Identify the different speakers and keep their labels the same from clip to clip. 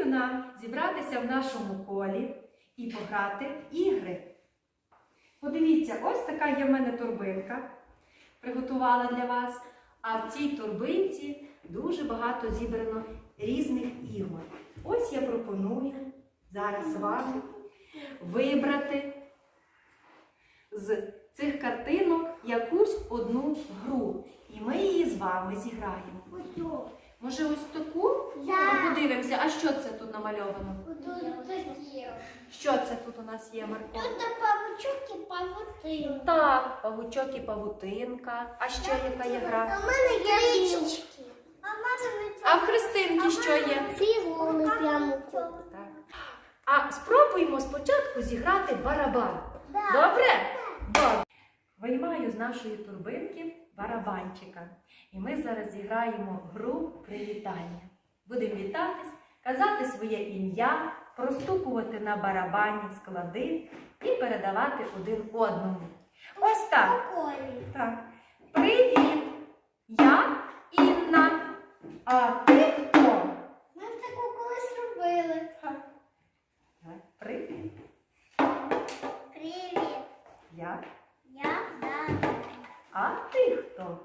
Speaker 1: пропоную нам зібратися в нашому колі і пограти в ігри. Подивіться, ось така є в мене торбинка, приготувала для вас. А в цій торбинці дуже багато зібрано різних ігор. Ось я пропоную зараз вам вибрати з цих картинок якусь одну гру. І ми її з вами зіграємо. Може ось таку? Ми подивимося, а що це тут намальовано? Що це тут у нас є, Марко?
Speaker 2: Тут павучок і павутинка.
Speaker 1: Так, павучок і павутинка. А ще яка є гра?
Speaker 2: У мене є річки.
Speaker 1: А в Христинки що є?
Speaker 2: Фігури прямо.
Speaker 1: Так. А спробуємо спочатку зіграти барабан. Добре? Добре. Виймаю з нашої торбинки барабанчика. І ми зараз зіграємо гру привітання. Будемо вітатись, казати своє ім'я, простукувати на барабані склади і передавати один одному. Ось так. Так. Привіт! Я Інна. А ти хто?
Speaker 2: Ми таку колись робили.
Speaker 1: Так. Привіт.
Speaker 2: Привіт.
Speaker 1: Я.
Speaker 2: Я Дана.
Speaker 1: А ти хто?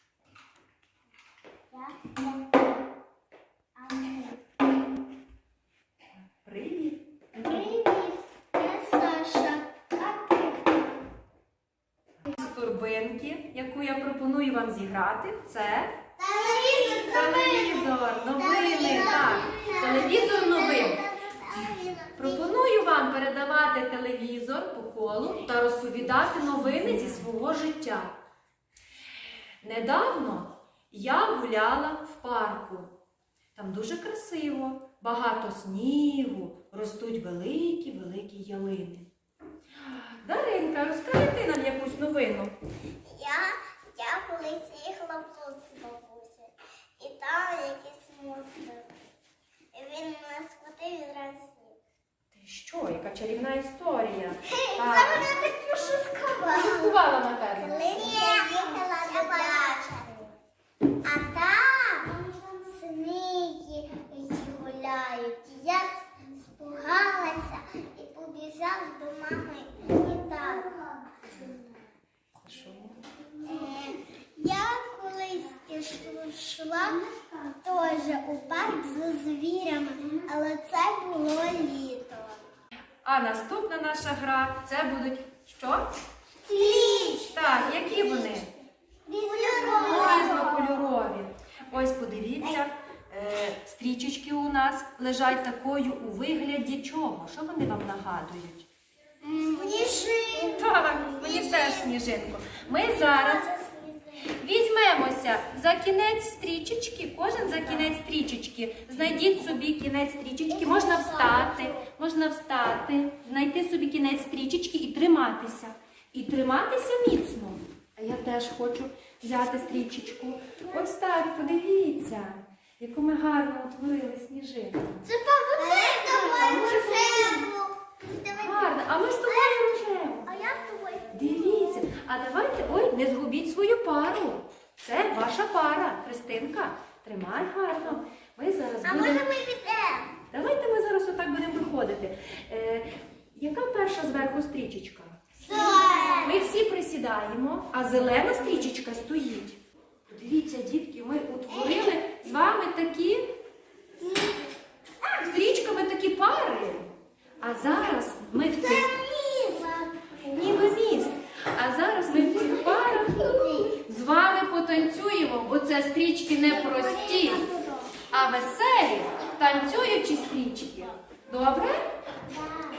Speaker 1: Привіт.
Speaker 2: Привіт. Я Саша. А ти хто?
Speaker 1: З торбинки, яку я пропоную вам зіграти, це
Speaker 2: Телевізор.
Speaker 1: Новини. Так. Телевізор новин. Пропоную вам передавати телевізор по колу та розповідати новини зі свого життя. Недавно я гуляла в парку. Там дуже красиво, багато снігу, ростуть великі-великі ялини. Даринка, розкажи ти нам якусь новину.
Speaker 2: Я колись їхала в тут з бабусею. І там якийсь монстр. І він мене схватив і зразу з'їв.
Speaker 1: Ти що, яка чарівна історія.
Speaker 2: Це мене так пошуткувало.
Speaker 1: Пошуткувала, напевно.
Speaker 2: Коли я їхала до дачі, а там змії гуляють. Я спугалася і побіжала до мами і тата. Я колись йшла теж у парк з звірями, але це було літо.
Speaker 1: А наступна наша гра, це будуть що?
Speaker 2: Стріч!
Speaker 1: Так, які вони? Різнокольорові. Ось подивіться, стрічечки у нас лежать такою у вигляді чого? Що вони вам нагадують?
Speaker 2: Сніжинку.
Speaker 1: Так, мені теж сніжинку. Ми зараз візьмемося за кінець стрічечки, кожен за кінець стрічечки. Знайдіть собі кінець стрічечки, можна встати, знайти собі кінець стрічечки і триматися. І триматися міцно. А я теж хочу взяти стрічечку. Ось так, подивіться, яку ми гарно утворили сніжинку.
Speaker 2: Це павутинка рожеву.
Speaker 1: Гарно, а ми з тобою рожеву.
Speaker 2: А я з тобою.
Speaker 1: Дивіться, а давайте, не згубіть свою пару. Це ваша пара. Христинка, тримай гарно. Ми зараз
Speaker 2: А
Speaker 1: будемо...
Speaker 2: може ми підемо?
Speaker 1: Давайте ми зараз отак будемо виходити. Яка перша зверху стрічечка? Ми всі присідаємо, а зелена стрічечка стоїть. Подивіться, дітки, ми утворили з вами такі стрічками такі пари. А зараз ми в цих... Ніби міст. А зараз ми в цих парах з вами потанцюємо, бо це стрічки не прості, а веселі, танцюючі стрічки. Добре?